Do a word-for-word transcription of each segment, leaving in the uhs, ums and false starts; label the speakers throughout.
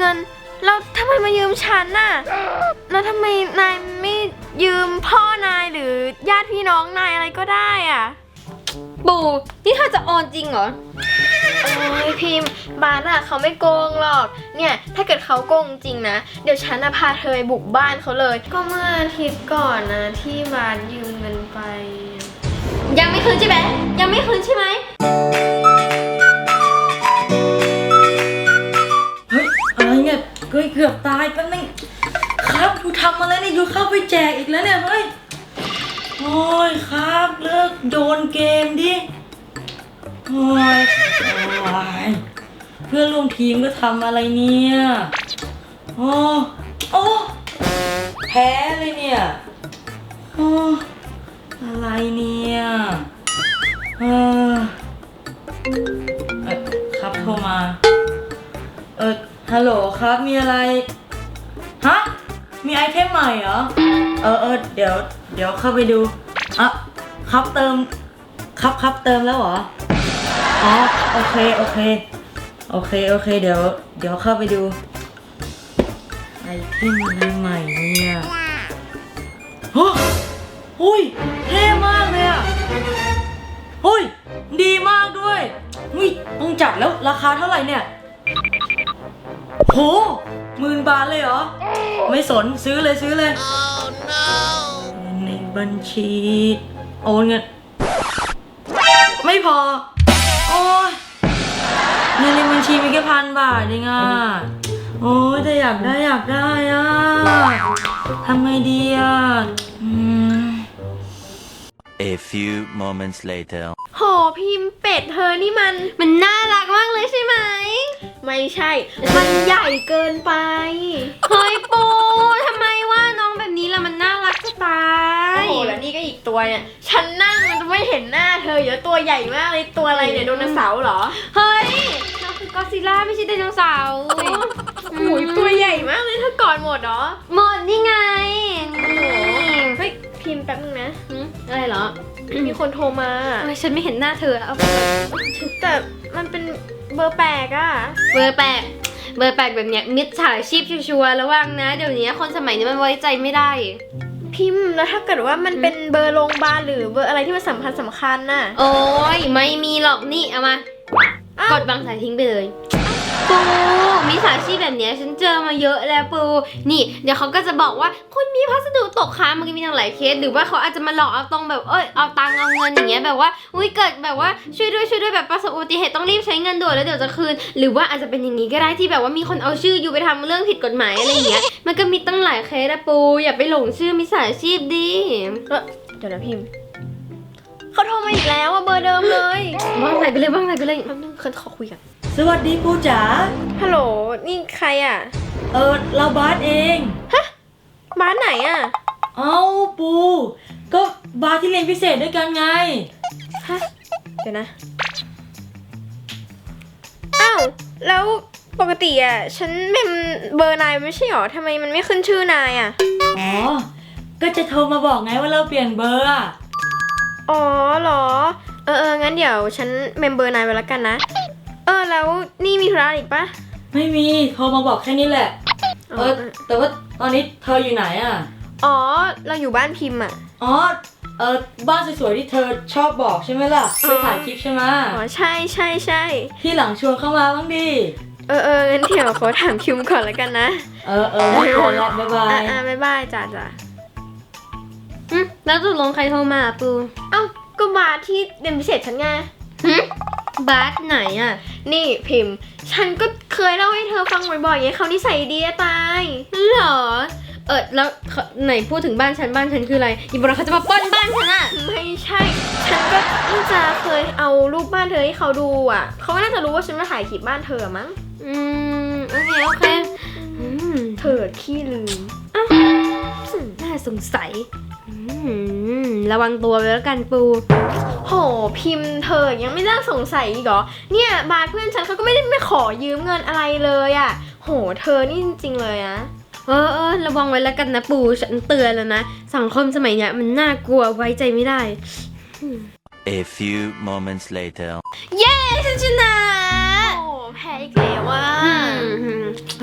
Speaker 1: งินแล้วทำไมมายืมฉันน่ะแล้วทำไมนายไม่ยืมพ่อนายหรือญาติพี่น้องนายอะไรก็ได้อ่ะ
Speaker 2: ปูนี่เธอจะโอนจริงเหรอ
Speaker 1: โอ้ยพิมพ์บาสอะเขาไม่โกงหรอกเนี่ยถ้าเกิดเขาโกงจริงนะเดี๋ยวฉันจะพาเธอไปบุกบ้านเขาเลยก็เมื่ออาทิตย์ก่อนนะที่บาสยืมเงินไป
Speaker 2: ยังไม่คืนใช่ไหมยังไม่คืนใช่ไหม
Speaker 3: เฮ้ยอะไรเนี่ยเกือบเกือบตายแป๊บนึงครับดูทำอะไรเนี่ยอยู่เข้าไปแจกอีกแล้วเนี่ยเฮ้ยโอ้ยครับเลิกโยนเกมดิโอ้ยโอ้ยเพื่อนร่วมทีมก็ทำอะไรเนี่ยโอ้โอ้แพ้เลยเนี่ยโอ้อะไรเนี่ยเออเออครับโทรมาเออฮัลโหลครับมีอะไรฮะมีไอเทมใหม่เหรอเออเออเดี๋ยวเดี๋ยวเข้าไปดูอ่ะครับเติมครับครับเติมแล้วเหรออ๋อโอเคโอเคโอเคโอเคเดี๋ยวเดี๋ยวเข้าไปดูไอเทมอะไรใหม่เนี่ยโอ้หุ้ยเท่มากเลยอ่ะหุ้ยดีมากด้วยหุ้ยต้องจัดแล้วราคาเท่าไหร่เนี่ยโหหมื่นบาทเลยเหรอไม่สนซื้อเลยซื้อเลย oh, no. ในบัญชีโอนเงินไม่พอโอ้ยเงินในบัญชีมีแค่พันบาทเองอ่ะโอ้ยแต่อยากได้อยากได้อ่ะทำไงดีอ่ะอืม
Speaker 4: A few moments later
Speaker 1: โหพิมพ์เป็ดเธอนี่มัน
Speaker 2: มันน่ารักมากเลยใช่ไหม
Speaker 1: ไม่ใช่มันใหญ่เกินไป
Speaker 2: เฮ้ยปูทำไมว่าน้องแบบนี้ล่ะมันน่ารักจะตาย
Speaker 1: โอ้โหแล้วนี่ก็อีกตัวเนี่ยฉันนั่งมันจะไม่เห็นหน้าเธอเยอะตัวใหญ่มากเลยตัวอะไรเนี่ยไดโนเสาร์เหรอ
Speaker 2: เฮ้ยน้องคือกอซิลล่าไม่ใช่ไดโนเสาร์
Speaker 1: โอ้ยตัวใหญ่มากเลยเธอกอดหมดเหรอ
Speaker 2: หมดนี่ไง
Speaker 1: เฮ้ยพิมพ์แป๊บนึงนะ
Speaker 2: อะไรเหรอ
Speaker 1: มีคนโทรมา
Speaker 2: เฮ้ยฉันไม่เห็นหน้าเธอเอา
Speaker 1: แต่มันเป็นเบอร์แปลกอะ
Speaker 2: เบอร์แปลกเบอร์แปลกแบบเนี้ยมิจฉาชีพชัวร์ระวังนะเดี๋ยวนี้คนสมัยนี้มันไว้ใจไม่ได้
Speaker 1: พิมพ์แล้วถ้าเกิดว่ามันเป็นเบอร์โรงพยาบาลหรือเบอร์อะไรที่มันสำคัญสำคัญน่ะ
Speaker 2: โอ้ยไม่มีหรอกนี่เอามากดบางสายทิ้งไปเลยปูมิจฉาชีพแบบเนี้ยฉันเจอมาเยอะแล้วปูนี่เดี๋ยวเขาก็จะบอกว่าคุณมีพัสดุตกค้างมันก็มีทั้งหลายเคสหรือว่าเขาอาจจะมาหลอกเอาตรงแบบเอ้ยเอาตังเอาเงินอย่างเงี้ยแบบว่าอุ้ยเกิดแบบว่าช่วยด้วยช่วยด้วยแบบประสบอุบัติเหตุต้องรีบใช้เงินด่วนแล้วเดี๋ยวจะคืนหรือว่าอาจจะเป็นอย่างนี้ก็ได้ที่แบบว่ามีคนเอาชื่ออยู่ไปทำเรื่องผิดกฎหมายอะไรอย่างเงี้ยมันก็มีตั้งหลายเคสนะปูอย่าไปหลงชื่อมิจฉาชีพดิ
Speaker 1: เดี๋ยวนะพิมพ์เขาโทรมาอีกแล้วอะเบอร์เดิมเลย
Speaker 2: ว่างไหนไปเลยว่างไหนไปเลย
Speaker 1: แป๊บนึงเคยขอคุยกัน
Speaker 3: สวัสดีปูจ๋า
Speaker 1: ฮัลโหลนี่ใครอ่ะ
Speaker 3: เออเราบาสเอง
Speaker 1: ฮะบาสไหนอ่ะ
Speaker 3: เอ้าปูก็บาสที่เรียนพิเศษด้วยกันไง
Speaker 1: ฮะเดี๋ยวนะอ้าวแล้วปกติอ่ะฉันเมมเบอร์นายไม่ใช่หรอทำไมมันไม่ขึ้นชื่อนายอ่ะ
Speaker 3: อ๋อก็จะโทรมาบอกไงว่าเราเปลี่ยนเบอร์อ่ะ
Speaker 1: อ๋อเหรอเออเอองั้นเดี๋ยวฉันเมมเบอร์นายไว้แล้วกันนะเออแล้วนี่มีธุระอีกปะ
Speaker 3: ไม่มีโทรมาบอกแค่นี้แหละเออแต่ว่าตอนนี้เธออยู่ไหนอ่ะ
Speaker 1: อ๋อเราอยู่บ้านพิมพ์อ่ะ
Speaker 3: อ๋อเออบ้านสวยๆที่เธอชอบบอกใช่ไหมล่ะไปถ่ายคลิปใช่ไหม
Speaker 1: อ๋อใช่ใช่ใช่
Speaker 3: ที่หลังชวนเข้ามาบ้างดิ
Speaker 1: เออเอองั้นเดี๋ยวขอถามคิมก่อนแล้วกันนะ
Speaker 3: เออเออไม่เป็นไรบ๊ายบาย
Speaker 1: อ่ะอ่ะบ๊ายบายจ้าจ้า
Speaker 2: อืมแล้วตกลงใครโทรมาปู
Speaker 1: เอ้าก็บาสที่เรียนพิเศษฉันไง
Speaker 2: บาสไหนอ่ะ
Speaker 1: นี่พิมพ์ฉันก็เคยเล่าให้เธอฟังบ่อยๆไงเขานิสัยดีตาย
Speaker 2: เหรอเออแล้วไหนพูดถึงบ้านฉันบ้านฉันคืออะไรอีบอกเขาจะมาปล้นบ้านฉันอ่ะ
Speaker 1: ไม่ใช่ฉันก็น่าจะเคยเอารูปบ้านเธอให้เขาดูอ่ะเขาน่าจะรู้ว่าฉันมาถ่ายคลิปบ้านเธอมั้ง
Speaker 2: อืมโอเคโอเค
Speaker 1: อืมเธอขี้ลืม
Speaker 2: อ้าวน่าสงสัยระวังตัวไว้แล้วกันปู
Speaker 1: โหพิมพ์เธอยังไม่เลิกสงสัยอีกเหรอเนี่ยบาสเพื่อนฉันเขาก็ไม่ได้ไม่ขอยืมเงินอะไรเลยอ่ะโหเธอนี่จริงๆเลยนะ
Speaker 2: เออเออระวังไว้แล้วกันนะปูฉันเตือนแล้วนะสังคมสมัยเนี้ยมันน่ากลัวไว้ใจไม่ได้
Speaker 4: A few moments later
Speaker 2: เย้ฉันชนะ
Speaker 1: โอ้แพ้อีกแล้วว่ะ
Speaker 2: เฮ้ย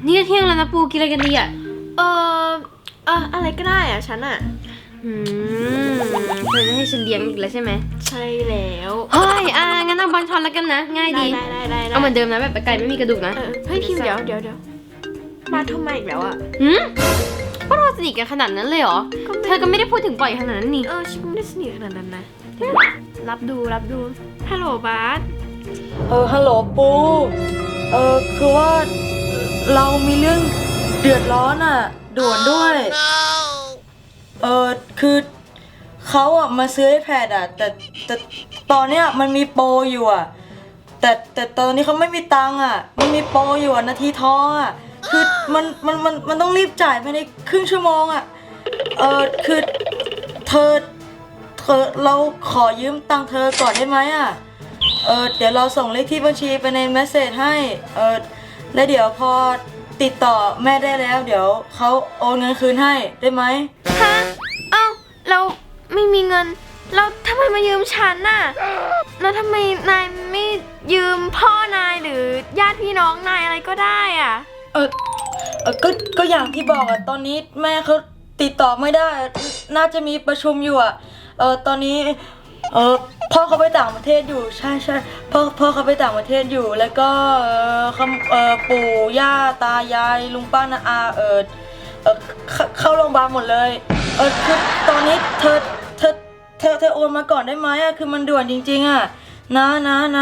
Speaker 2: นี่ก็เที่ยงแล้วนะปูกินอะไรกันดีอ่ะ
Speaker 1: เออเอออะไรก็ได้อะฉันอะ
Speaker 2: อืมเธอจะให้ฉันเลี้ยงอีกแล้วใช่ไหม
Speaker 1: ใช่แล้ว
Speaker 2: เฮ้ยอ่ะงั้นเอาบอลชอนแล้วกันนะ ง่าย
Speaker 1: ได้
Speaker 2: ดี
Speaker 1: ได้ได้ได้
Speaker 2: เอาเหมือนเดิมนะแบบไก่ไม่มีกระดูกนะ
Speaker 1: เออเฮ้ยพิมพ์เดี๋ยวเดี๋ยวเดี๋ยวมาโทรมาอีกแล้วอะ
Speaker 2: หืมพวกเราสนิทกันขนาดนั้นเลยเหรอ เธอก็ไม่ได้พูดถึงบ่อยขนาดนั้นนี่
Speaker 1: เออฉันไม่ได้สนิทขนาดนั้นนะรับดูรับดูฮัลโหลบาส
Speaker 3: เออฮัลโหลปูเออคือว่าเรามีเรื่องเดือดร้อนอ่ะด่วนด้วย เออคือเขาอ่ะมาซื้อ iPad อ่ะแต่แต่ตอนเนี้ยมันมีโปรอยู่อ่ะแต่แต่ตอนนี้เขาไม่มีตังค์อ่ะมันมีโปรอยู่อ่ะนาทีทองอ่ะคือมันมันมันมันต้องรีบจ่ายภายในครึ่งชั่วโมงอ่ะเออคือเธอเธอเราขอยืมตังค์เธอก่อนได้ไหมอ่ะเออเดี๋ยวเราส่งเลขที่บัญชีไปในเมสเซจให้เออแล้วเดี๋ยวพอติดต่อแม่ได้แล้วเดี๋ยวเขาโอนเงินคืนให้ได้ไหม
Speaker 1: ฮะเอ้าเราไม่มีเงินเราทำไมมายืมฉันน่ะแล้วทำไมนายไม่ยืมพ่อนายหรือญาติพี่น้องนายอะไรก็ได้อ่ะ
Speaker 3: เออเออก็ก็อย่างที่บอกอะตอนนี้แม่เขาติดต่อไม่ได้ น่าจะมีประชุมอยู่อะเออตอนนี้เออพ่อเขาไปต่างประเทศอยู่ใช่ใช่พ่อพ่อเขาไปต่างประเทศอยู่แล้วก็เออเขาเออปู่ย่าตายายลุงป้าน้าอาเออเออเข้าเข้าโรงพยาบาลหมดเลยเออคือตอนนี้เธอเธอเธอเธอโอนมาก่อนได้ไหมอะคือมันด่วนจริงๆอะนะนะนะ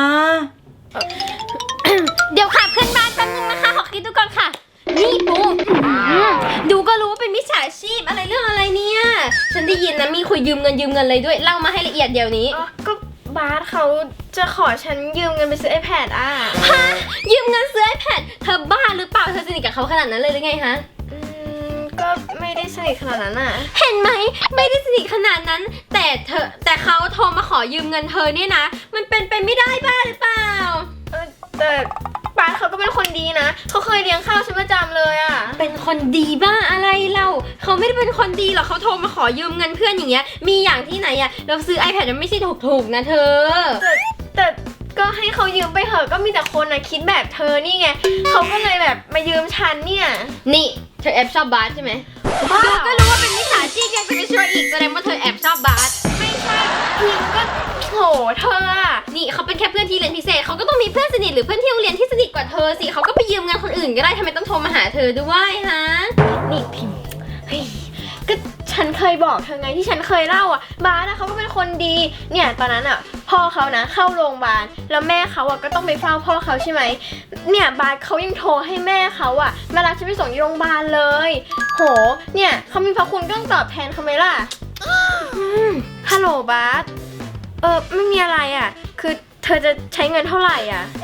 Speaker 2: เดี๋ยวค่ะเพื่อนบ้านแป๊บนึงนะคะขอคิดดูก่อนค่ะ นี่ปูอืมดูก็รู้ว่าเป็นมิจฉาชีพอะไรเรื่องอะไรเนี่ย ฉันได้ยินนะมีคุยยืมเงินยืมเงินเลยด้วย เล่ามาให้ละเอียดเดี๋ยวนี้
Speaker 1: อ๋อก็บาสเขาจะขอฉันยืมเงินไปซื้อ iPad อ่ะ
Speaker 2: ฮะยืมเงินซื้อ iPad เธอบ้าหรือเปล่า เธอสนิทกับเขาขนาดนั้นเลยหรือไงฮะ
Speaker 1: อืมก็ไม่ได้สนิทขนาดนั้นอ่ะ
Speaker 2: เห็นไหมไม่ได้สนิทขนาดนั้น แต่เธอแต่เขาโทรมาขอยืมเงินเธอเนี่ยนะ มันเป็นไปไม่ได้บ้าหรือเปล่า
Speaker 1: เออแต่บาสเขาก็เป็นคนดีนะเขาเคยเลี้ยงข้าวฉันประจำเลยอ่ะ
Speaker 2: เป็นคนดีบ้าอะไรเราเขาไม่ได้เป็นคนดีหรอกเขาโทรมาขอยืมเงินเพื่อนอย่างเงี้ยมีอย่างที่ไหนอะเราซื้อ iPad มันไม่ใช่ถูกๆนะเธอ
Speaker 1: แต่แต่ก็ให้เขายืมไปเถอะก็มีแต่คนนะคิดแบบเธอนี่ไงเขาก็เลยแบบมายืมฉันเนี่ย
Speaker 2: นี่เธอแอบชอบบาสใช่ไหม
Speaker 1: บ้า
Speaker 2: ดูก็รู้ว่าเป็นมิจฉาชีพยังจะไปช่วยอีกแสดงว่าเธอแอบชอบบาส
Speaker 1: ไม่ใช่พิมก็โหเธออะ
Speaker 2: นี่เขาเป็นแค่เพื่อนที่เรียนพิเศษเขาก็ต้องมีเพื่อนสนิทหรือเพื่อนที่โรงเรียนที่สนิทกว่าเธอสิเขาก็ไปยืมเงินคนอื่นก็ได้ทำไมต้องโทรมาหาเธอด้วยฮะ
Speaker 1: นี่พิมเฮ้ยก็ฉันเคยบอกเธอไงที่ฉันเคยเล่าอ่ะบาสอะเขาก็เป็นคนดีเนี่ยตอนนั้นอ่ะพ่อเขานะเข้าโรงพยาบาลแล้วแม่เขาอ่ะก็ต้องไปเฝ้าพ่อเขาใช่ไหมเนี่ยบาสเขายังโทรให้แม่เขาอ่ะมารับฉันไปส่งที่โรงพยาบาลเลยโหเนี่ยเขามีพระคุณก็ต้องตอบแทนเขาไหมล่ะอืมฮัลโหลบาสเออไม่มีอะไรอ่ะคือเธอจะใช้เงินเท่าไหร่อ่ะ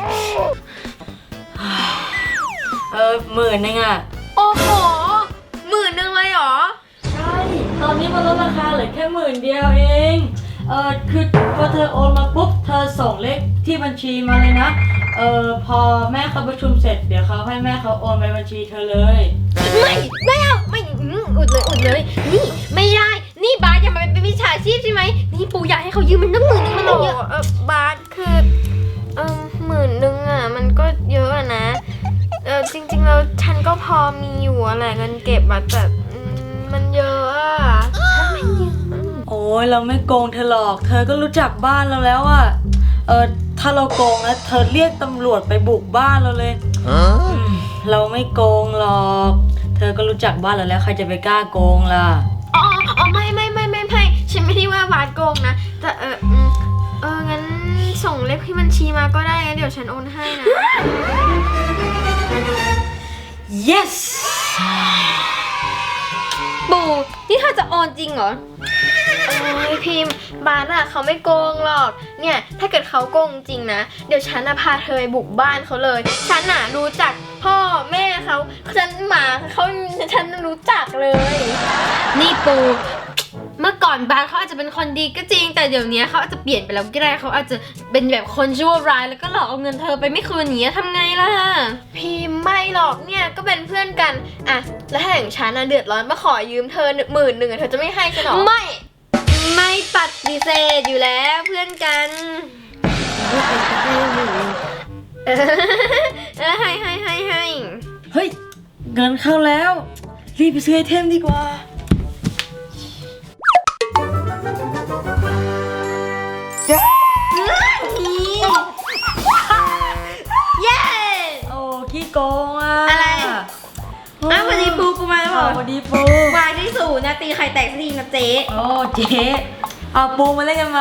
Speaker 3: เออหมื่นนึงอ่ะ
Speaker 1: โอ้โหหมื่นหนึ่งเลยเหรอ
Speaker 3: ใช่ ตอนนี้มันลดราคาเหลือแค่หมื่นเดียวเอง เออคือพอเธอโอนมาปุ๊บ เธอส่งเลขที่บัญชีมาเลยนะ เออพอแม่เขาประชุมเสร็จ เดี๋ยวเขาให้แม่เขาโอนไปบัญชีเธอเลย
Speaker 2: ไม่ไม่เอาไม่อืมอุดเลยอุดเลย นี่ไม่ได้นี่บาสอย่ามาเป็นมิจฉาชีพใช่ไหมนี่ปูอยากให้เขายืมมันตั้งหมื่นนึงมัน
Speaker 1: โอ้
Speaker 2: ต้อง
Speaker 1: โห
Speaker 2: เยอะ
Speaker 1: เออบาสคือเออหมื่นหนึ่งอ่ะมันก็เยอะอะนะเออจริงๆแล้วฉันก็พอมีอยู่อะแหละเงินเก็บอะแต่อืมมันเยอะอะมันเยอะ
Speaker 3: โอ้ยเราไม่โกงเธอหรอก เธอก็รู้จักบ้านเราแล้วอะเออถ้าเราโกงนะเธอเรียกตำรวจไปบุกบ้านเราเลยอืมเราไม่โกงหรอก เธอก็รู้จักบ้านเราแล้วใครจะไปกล้าโกงล่ะ
Speaker 1: อ๋ออ๋อไม่ไม่ไม่ไม่ไม่ฉันไม่ได้ว่าบาสโกงนะแต่เอออืมเอองั้นส่งเลขที่บัญชีมาก็ได้งั้นเดี๋ยวฉันโอนให้นะ
Speaker 3: yes
Speaker 2: ปูนี่เธอจะโอนจริงเหรอ
Speaker 1: โอ้ยพิมพ์บาสอะเขาไม่โกงหรอก เนี่ยถ้าเกิดเขาโกงจริงนะ เดี๋ยวฉันอะพาเธอไปบุกบ้านเขาเลย ฉันอะรู้จักพ่อแม่เขาฉันหมาเขาฉันรู้จักเลย
Speaker 2: นี่ปู เมื่อก่อนบาสเขาอาจจะเป็นคนดีก็จริง แต่เดี๋ยวนี้เขาอาจจะเปลี่ยนไปแล้วก็ได้เขาอาจจะเป็นแบบคนชั่วร้ายแล้วก็หลอกเอาเงินเธอไปไม่คืนอย่างเงี้ยทำไงล่ะ
Speaker 1: พิมพ์ไม่หรอกเนี่ยก็เป็นเพื่อนกันอะแล้วถ้าอย่างฉันอะเดือดร้อนมาขอยืมเธอหมื่นหนึ่งอะเธอจะไม่ให้ฉันหรอ
Speaker 2: ไม่ ไม่ปฏิเสธอยู่แล้วเพื่อนกันเออให้ให้ให้ให้
Speaker 3: เฮ้ยเงินเข้าแล้ว รีบไปซื้อไอเทมดีกว่า
Speaker 2: เย้
Speaker 3: โอ้ขี้โกงอ่ะ
Speaker 2: อะไร อ้าววันนี้ปูกูมาแล้วเหร
Speaker 3: อ้า
Speaker 2: อ
Speaker 3: วสวัสดีปู
Speaker 2: วายที่สูนะตีไข่แตกสักทีนะเจ๊
Speaker 3: โอ้เจ๊เอาปูมาเล่นกันไหม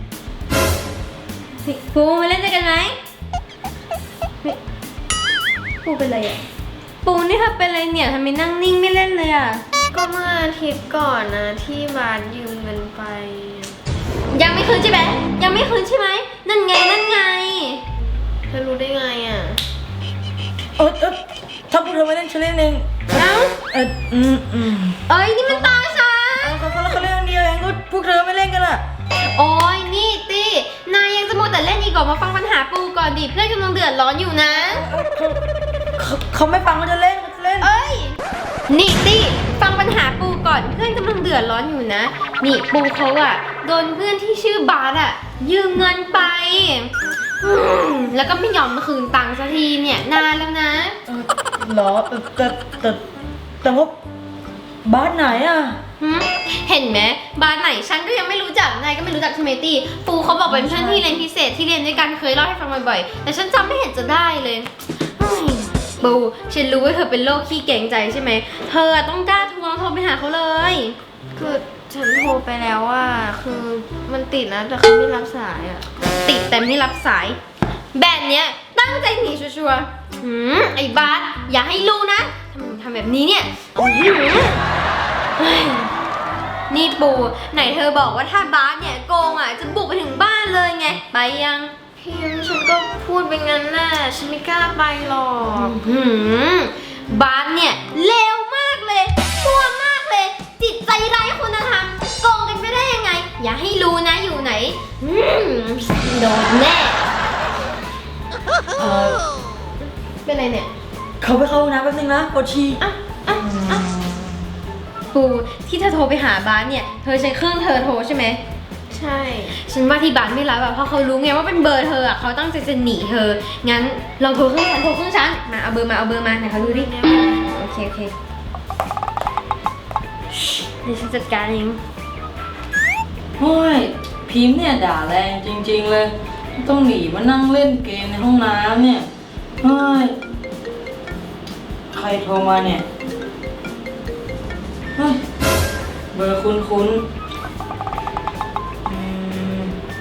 Speaker 2: ปูมาเล่นด้วยกันไหมนี่ปูเป็นไรอ่ะ ปูนี่เธอเป็นไรเนี่ยทำไมนั่งนิ่งไม่เล่นเลยอ่ะ
Speaker 1: ก็เมื่ออาทิตย์ก่อนนะที่บาสยืมเงินไป
Speaker 2: ยังไม่คืนใช่ไหมยังไม่คืนใช่ไหมนั่นไงนั่นไง
Speaker 1: เธอรู้ได้ไงอ่ะ
Speaker 3: เออเออถ้าพวกเธอไม่เล่นฉันเล่นเอง
Speaker 2: เอ้า
Speaker 3: เอออืมอืม
Speaker 2: เอ้ยนี่มันตาฉัน
Speaker 3: เอาเขาเขาเขาเล่นคนเดียวเองก็พวกเธอไม่เล่นกันล่ะ
Speaker 2: โอ้ยนี่ตีนายยังจะมัวแต่เล่นอีกเหรอมาฟังปัญหาปูก่อนดิเพื่อนกำลังเดือดร้อนอยู่นะ
Speaker 3: เขาเขาไม่ฟังเขาจะเล่นเขาจะเล่น
Speaker 2: เอ้ย นี่ตี้ฟังปัญหาปูก่อนเพื่อนกำลังเดือดร้อนอยู่นะ นี่ปูเขาอะโดนเพื่อนที่ชื่อบาสอะยืมเงินไปอืมแล้วก็ไม่ยอมมาคืนตังค์สักทีเนี่ยนานแล้วนะ
Speaker 3: เออเหรอเออแต่แต่แต่ว่าบ้านไหนอ่ะ
Speaker 2: หึเห็นไหมบาสไหนฉันก็ยังไม่รู้จักนายก็ไม่รู้จักใช่ไหมตี้ปูเขาบอกเป็นเพื่อนที่เรียนพิเศษที่เรียนด้วยกันเคยเล่าให้ฟังบ่อยๆแต่ฉันจำไม่เห็นจะได้เลยเฮ้ยปูฉันรู้ว่าเธอเป็นโรคขี้เกรงใจใช่ไหมเธอต้องกล้าทวงโทรไปหาเขาเลย
Speaker 1: คือฉันโทรไปแล้วว่าคือมันติดนะแต่เขาไม่รับสายอ่ะ
Speaker 2: ติดแต่ไม่รับสาย แบบเนี้ยตั้งใจหนีชัวร์ๆหืมไอ้บาสอย่าให้รู้นะทำทำแบบนี้เนี่ยหืมเฮ้ยนี่ปูไหนเธอบอกว่าถ้าบาสเนี่ยโกงอ่ะจะบุกไปถึงบ้านเลยไงไปยัง
Speaker 1: พิมพ์ฉันก็พูดไปงั้นแหละฉันไม่กล้าไปหรอก
Speaker 2: หืมบาสเนี่ยเลวมากเลยชั่วมากเลย จิตใจไร้คุณธรรมโกงกันไปได้ยังไง อย่าให้รู้นะอยู่ไหนหืมโดนแน่
Speaker 3: เออ
Speaker 2: เป็นไรเนี่ย
Speaker 3: เขาไปเข้าห้องน้ำแป๊บนึงนะปวดฉี่
Speaker 2: อ่ะอ่ะอ่ะปูที่เธอโทรไปหาบ้านเนี่ย เธอใช้เครื่องเธอโทรใช่ไหม
Speaker 1: ใช่
Speaker 2: ฉันว่าที่บ้านไม่รับอะเพราะเขารู้ไงว่าเป็นเบอร์เธออะเขาตั้งใจจะหนีเธอ งั้นลองโทรเครื่องฉันโทรเครื่องฉัน มาเอาเบอร์มาเอาเบอร์มาไหนเขาดูดิ โอเคโอเคเดี๋ยวฉันจัดการเอง
Speaker 3: โอ้ยพิมพ์เนี่ยด่าแรงจริงๆเลย ต้องหนีมานั่งเล่นเกมในห้องน้ำเนี่ยเฮ้ยใครโทรมาเนี่ยเฮ้ยเบอร์คุ้นๆอืม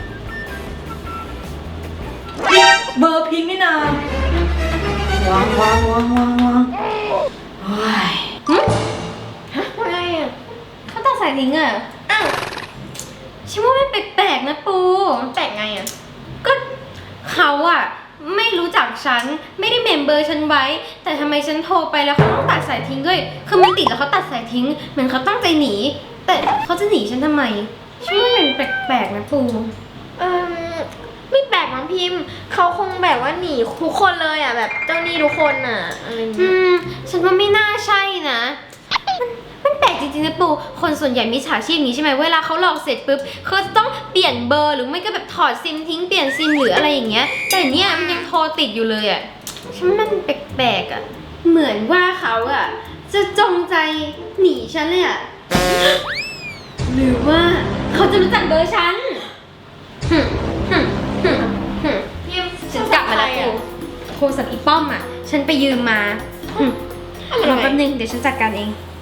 Speaker 3: นี่เบอร์พิมพ์นี่นาวางวางวางวางวางเฮ้ย
Speaker 1: ว่าไงอ่ะ
Speaker 2: เขาตัดสายทิ้งอะอ้าวฉันว่ามันแปลกๆนะปู
Speaker 1: แปลกไงอ่ะ
Speaker 2: ก็เขาอะไม่รู้จักฉันไม่ได้เมมเบอร์ฉันไว้ แต่ทำไมฉันโทรไปแล้วเขาต้องตัดสายทิ้งด้วยคือมันติดแล้วเขาตัดสายทิ้งเหมือนเขาตั้งใจหนี แต่เขาจะหนีฉันทำไมฉันว่ามันแปลกๆนะปู
Speaker 1: เออไม่แปลกมั้งพิมพ์เขาคงแบบว่าหนีทุกคนเลยอ่ะแบบเจ้าหนี้ทุกคนอ่ะอะไรอย่าง
Speaker 2: อื
Speaker 1: เงี้ย
Speaker 2: มฉันว่าไม่น่าใช่นะมันมันแปลกจริงๆนะปูคนส่วนใหญ่มิจฉาชีพนี้ใช่ไหมเวลาเขาหลอกเสร็จปุ๊บเขาจะต้องเปลี่ยนเบอร์หรือไม่ก็แบบถอดซิมทิ้งเปลี่ยนซิมหรืออะไรอย่างเงี้ยแต่เนี่ยมันยังโทรติดอยู่เลยอะฉันว่ามันแปลกๆอะเหมือนว่าเขาอะจะจงใจหนีฉันเลยอะหรือว่าเขาจะรู้จักเบอร์ฉันหึหึหึหึ
Speaker 1: พิมพ์
Speaker 2: ฉันกลับมาแล้วปูโทรศัพท์อีป้อมอะฉันไปยืมมาหึ
Speaker 1: อะไร
Speaker 2: รอแป๊บนึงเดี๋ยวฉันจัดการเอง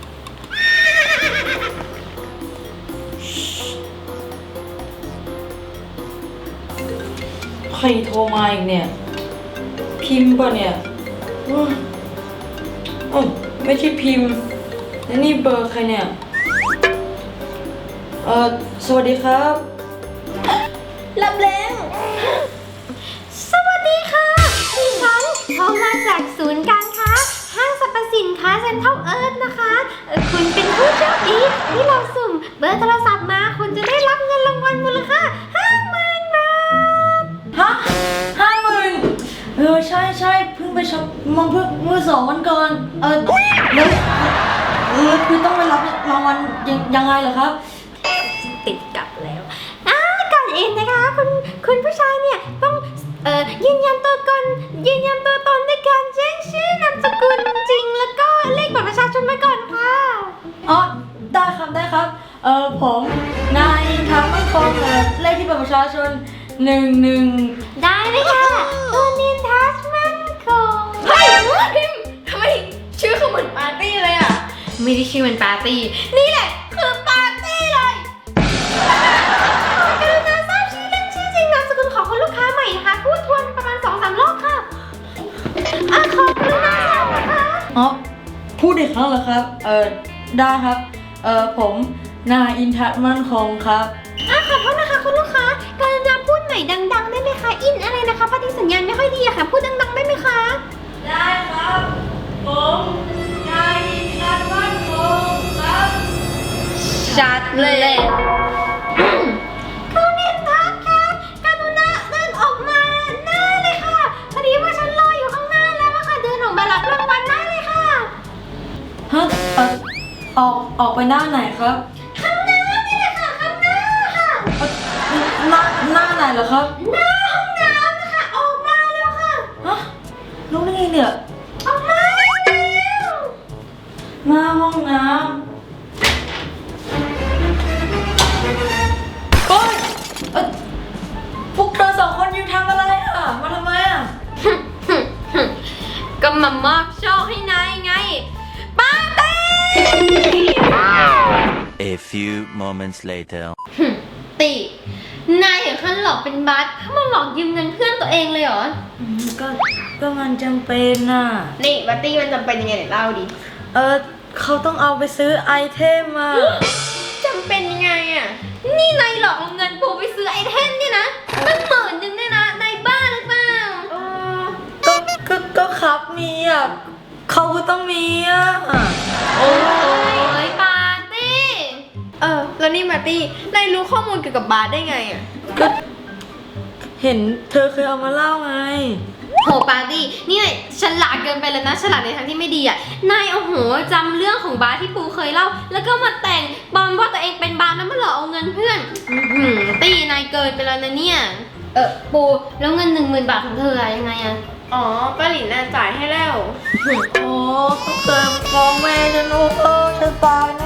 Speaker 3: ใครโทรมาอีกเนี่ย พิมพ์ป่ะเนี่ยอ้าวอ้าวไม่ใช่พิมพ์แล้วนี่เบอร์ใครเนี่ย เออสวัสดีครับ
Speaker 2: รับแล้ว สวัสดีค่ะดิฉันโทรมาจากศูนย์การค้าห้างสรรพสินค้าเซ็นทรัลเอิร์ธนะคะเอ่อคุณเป็นผู้โชคดีที่เราสุ่มเบอร์โทรศัพท์มาคุณจะได้รับเงินรางวัลมูลค่าห้าหมื่นบาท
Speaker 3: ฮะห้าหมื่นเออใช่ใช่เพิ่งไปช็อปมองเพิ่งเมื่อสองวันก่อน เออแล้วเออคือต้องไปรับรางวัลยังยังไงเหรอครับ
Speaker 2: ติดกลับแล้วอ่าก่อนอื่นนะคะคุณคุณผู้ชายเนี่ยต้องเอ่อยืนยันตัวตนยืนยันตัวตนด้วยการแจ้งชื่อนามสกุลจริงแล้วก็เล
Speaker 3: เออผมนายทางมั่นคงเออเลขที่บัตรประชาชนหนึ่งหนึ่ง
Speaker 2: ได้เลยค่ะตัวนินทัสมันคง
Speaker 1: เฮ้ยพิมพ์ทำไมชื่อเขาเหมือนปาร์ตี้เลยอ่ะ
Speaker 2: ไม่ได้ชื่อมันปาร์ตี้ นี่แหละคือปาร์ตี้เลยกรุณาทราบชื่อเล่นชื่อจริงนามสกุลของคุณลูกค้าใหม่นะคะพูดทวนประมาณสองสามรอบค่ะอ่ะขอกรุณาทราบนะคะ
Speaker 3: อ๋อพูดอีกครั้งเหรอครับเออได้ครับเออผมนายอินทัศน์มั่นคงครับ
Speaker 2: อ่ะขอโทษนะคะคุณลูกค้ากรุณาพูดใหม่ดังๆได้ไหมคะอินอะไรนะคะพอดีสัญญาณไม่ค่อยดีอะค่ะพูดดังๆได้ไหมคะ
Speaker 3: ได้ครับผมนายอินทัศน์มั่นคงครับ
Speaker 2: ชัดเลยคุณนินทัศน์คะกรุณาเดินออกมาหน้าเลยค่ะพอดีว่าฉันรออยู่ข้างหน้าแล้วอะค่ะเดินออกมารับรางวัลได้เลยค่ะ
Speaker 3: ฮะเออออกออกไปหน้าไหนครับ
Speaker 2: ข้างหน้านี่แหละค่ะข้างหน้าค่ะ
Speaker 3: เอ่อหน้าหน้าไหนเหรอครับ
Speaker 2: หน้าห้องน้ำนะคะออกมาแล้วค่ะ
Speaker 3: ฮะรู้ได้ไงเนี่ย
Speaker 2: ออกมาเร็ว
Speaker 3: หน้าห้องน้ำโอ๊ยเอ่อพวกเธอสองคนยืนทำอะไรอ่ะ มาทำไมอ่ะ
Speaker 2: ก็มามอบโชคให้นายไงปาร์ตี้
Speaker 4: A few moments later.
Speaker 2: ตินายถึงขั้นหลอกเป็นบัสถ้ามาหลอกยืมเงินเพื่อนตัวเองเลยเหรอ
Speaker 3: ก็ก็มันจำเป็นน่ะ
Speaker 1: นี่ปาร์ตี้มันจำเป็นยังไงเดี๋ยวเล่าดิ
Speaker 3: เออเขาต้องเอาไปซื้อไอเทมมา
Speaker 1: จำเป็นยังไงอ่ะ
Speaker 2: นี่นายหลอกเอาเงินปูไปซื้อไอเทมเนี่ยนะตั้งหมื่นหนึงเนี่ยนะนายบ้าหรือเปล่า
Speaker 1: เออ
Speaker 3: ก็ก็ก็ครับมีอ่ะเขาก็ต้องมีอ่ะ
Speaker 2: โอ้ยปาร์ตี้
Speaker 1: เออ แล้วนี่ปาร์ตี้นายรู้ข้อมูลเกี่ยวกับบาร์ได้ไงอ่ะ
Speaker 3: ก็เห็นเธอเคยเอามาเล่าไง
Speaker 2: โหปาร์ตี้นี่นายฉลาดเกินไปแล้วนะฉลาดในทางที่ไม่ดีอ่ะนายเอาโหจำเรื่องของบาร์ที่ปูเคยเล่า แล้วก็มาแต่งปลอมว่าตัวเองเป็นบาร์แล้วมาหลอกเอาเงินเพื่อนอื้อหือตีนายเกินไปแล้วนะเนี่ยเออปูแล้วเงินหนึ่งหมื่นบาทของเธออะยังไงอะ
Speaker 1: อ๋อป้าหลินน่ะจ่ายให้แล้ว
Speaker 3: โอ้เขาเคยฟ้องแม่ฉันโอ้เออฉันตายแน่